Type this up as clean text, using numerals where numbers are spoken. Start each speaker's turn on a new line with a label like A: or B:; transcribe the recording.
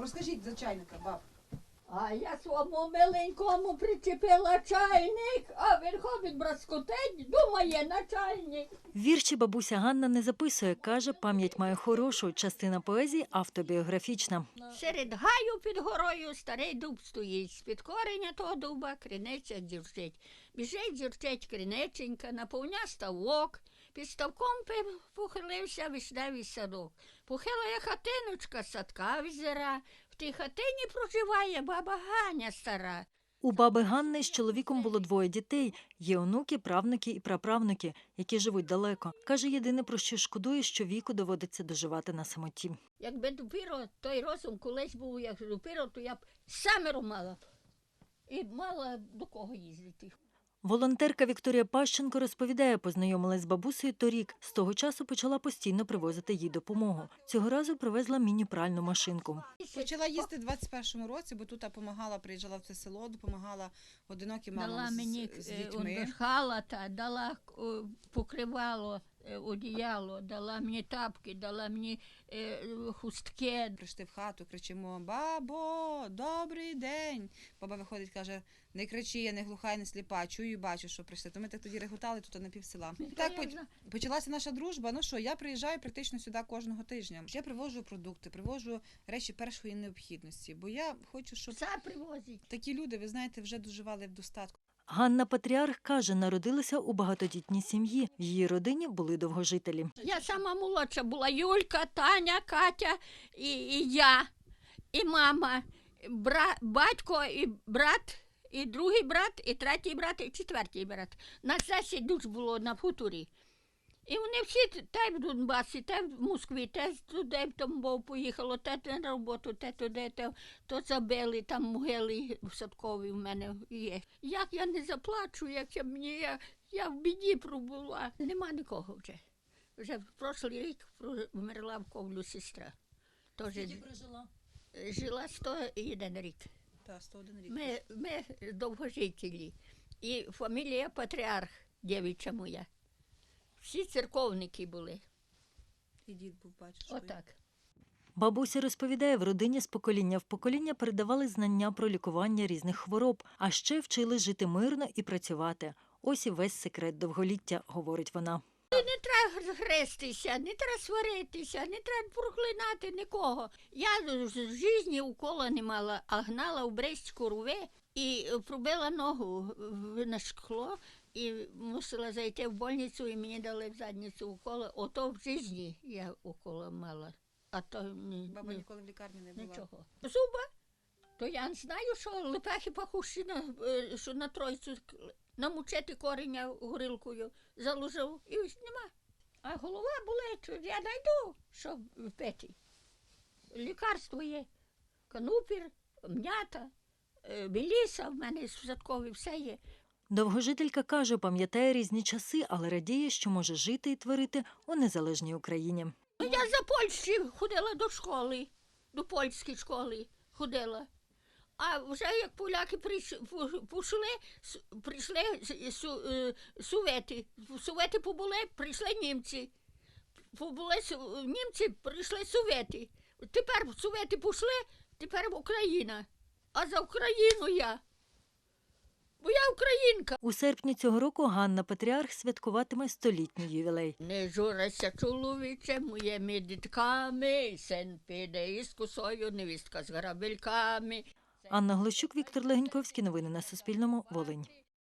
A: Розкажіть за чайника, баб.
B: А я своєму миленькому причепила чайник, а він ходить браскотить, думає, начальник.
C: Вірші бабуся Ганна не записує, каже, пам'ять має хорошу, частина поезії автобіографічна.
B: Серед гаю під горою старий дуб стоїть, з-під кореня того дуба криниця дзюрчить. Біжить дзюрчить криниченька, наповня ставок, під ставком похилився вишневий садок. Похилає хатиночка, з садка візира, в тій хатині проживає баба Ганя стара.
C: У баби Ганни з чоловіком було 2 дітей. Є онуки, правнуки і праправнуки, які живуть далеко. Каже, єдине, про що шкодує, що віку доводиться доживати на самоті.
B: Якби допіро той розум колись був, як допіро, то я б семеро мала б. І мала до кого їздити.
C: Волонтерка Вікторія Пащенко розповідає, познайомилась з бабусею торік. З того часу почала постійно привозити їй допомогу. Цього разу привезла міні-пральну машинку.
A: Почала їсти в 21-му році, бо тут допомагала, приїжджала в це село, допомагала одиноким
B: Дала
A: мамам
B: мені
A: з дітьми.
B: халата, дала покривало, одіяло, дала мені тапки, дала мені хустки.
A: Прийшли в хату, кричимо: «Бабо, добрий день!» Баба виходить, каже: «Не кричи, я не глуха і не сліпа, чую і бачу, що прийшли». То ми так тоді реготали тут на пів села. І так почалася наша дружба. Ну що, я приїжджаю практично сюди кожного тижня. Я привожу продукти, привожу речі першої необхідності, бо я хочу, щоб
B: Все привозить.
A: такі люди, ви знаєте, вже доживали в достатку.
C: Ганна Патріарх каже, народилася у багатодітній сім'ї. В її родині були довгожителі.
B: Я сама молодша була: Юлька, Таня, Катя і я, і мама, батько і брат, і другий брат, і третій брат, і четвертий брат. Нас 10 душ було на хуторі. І вони всі те в Донбасі, те в Москві, те туди в Тамбов поїхало, те на роботу, те туди, то забили, там могили в Садкові в мене є. Як я не заплачу, як я в біді пробула. Нема нікого вже. Вже в прошлий рік вмерла в Ковлю сестра.
C: Скільки прожила?
B: Жила 101 рік.
A: Так, 101 рік.
B: Ми довгожителі. І фамілія Патріарх, дівча моя. Всі церковники були.
A: І дід був, бачиш.
B: Отак.
C: Бабуся розповідає, в родині з покоління в покоління передавали знання про лікування різних хвороб, а ще вчили жити мирно і працювати. Ось і весь секрет довголіття, говорить вона.
B: Не треба грестися, не треба сваритися, не треба проклинати нікого. Я в житті укола не мала, а гнала в Брестську рве і пробила ногу на шкло і мусила зайти в больницю, і мені дали в задницю уколи. Ото в житті я укола мала. А то
A: Баба ніколи в лікарні не була.
B: нічого. Зуба? То я не знаю, що лепехи пахущі, що на тройцю намучити кореня горілкою заложив, і ось нема. А голова болить, я знайду, що впити. Лікарство є. Канупір, м'ята, меліса в мене в Садкові, все є.
C: Довгожителька каже, пам'ятає різні часи, але радіє, що може жити і творити у незалежній Україні.
B: Я за Польщі ходила до школи, до польської школи ходила. А вже як поляки прийшли Совети. Совети побули, прийшли німці. Побули німці, прийшли Совети. Тепер Совети пішли, тепер Україна. А за Україну я. Бо я українка.
C: У серпні цього року Ганна Патріарх святкуватиме 100-літній ювілей.
B: Не журися, чоловіче, моїми дітками, син піде із косою, невістка з грабельками.
C: Анна Глощук, Віктор Легеньковський. Новини на Суспільному. Волинь.